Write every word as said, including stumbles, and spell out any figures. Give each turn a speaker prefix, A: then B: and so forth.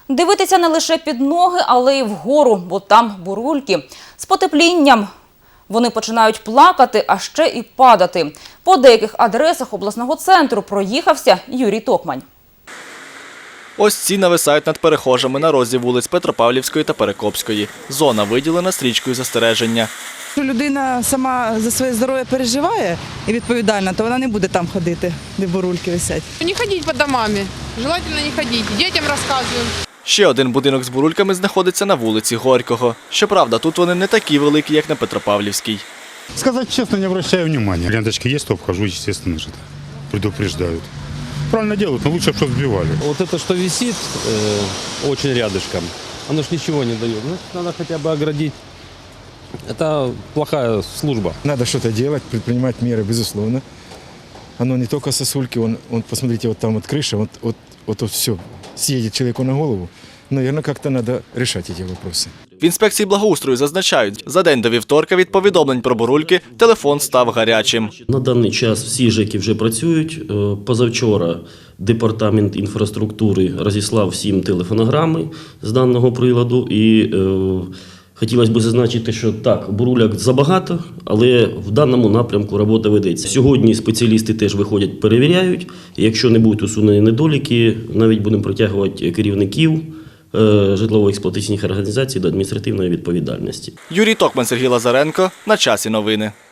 A: Дивитися не лише під ноги, але й вгору, бо там бурульки. З потеплінням вони починають плакати, а ще і падати. По деяких адресах обласного центру проїхався Юрій Токмань.
B: Ось ці нависають над перехожими на розі вулиць Петропавлівської та Перекопської. Зона виділена стрічкою застереження.
C: Якщо людина сама за своє здоров'я переживає і відповідальна, то вона не буде там ходити, де бурульки висять.
D: Не ходіть по домами, желательно не ходіть, дітям розказуємо.
B: Ще один будинок з бурульками знаходиться на вулиці Горького. Щоправда, тут вони не такі великі, як на Петропавлівській.
E: Сказать честно, не обращаю внимания. Ленточки есть, то обхожу, естественно же. Предупреждают. Правильно делают, но лучше, чтобы сбивали.
F: Вот это, что висит э, очень рядышком, оно ж ничего не дает. Ну, надо хотя бы оградить. Это плохая служба.
G: Надо что-то делать, предпринимать меры, безусловно. Оно не только сосульки, он, он посмотрите, вот там вот крыша, вот, вот, вот, вот все съедет человеку на голову. Наверное, как-то надо решать эти вопросы.
B: В інспекції благоустрою зазначають, за день до вівторка від повідомлень про бурульки телефон став гарячим.
H: На даний час всі ЖЕКи вже працюють. Позавчора департамент інфраструктури розіслав всім телефонограми з даного приладу. І е, хотілося б зазначити, що так, буруляк забагато, але в даному напрямку робота ведеться. Сьогодні спеціалісти теж виходять, перевіряють. Якщо не будуть усунені недоліки, навіть будемо притягувати керівників житлово-експлуатаційних організацій до адміністративної відповідальності.
B: Юрій Токмань, Сергій Лазаренко. На часі новини.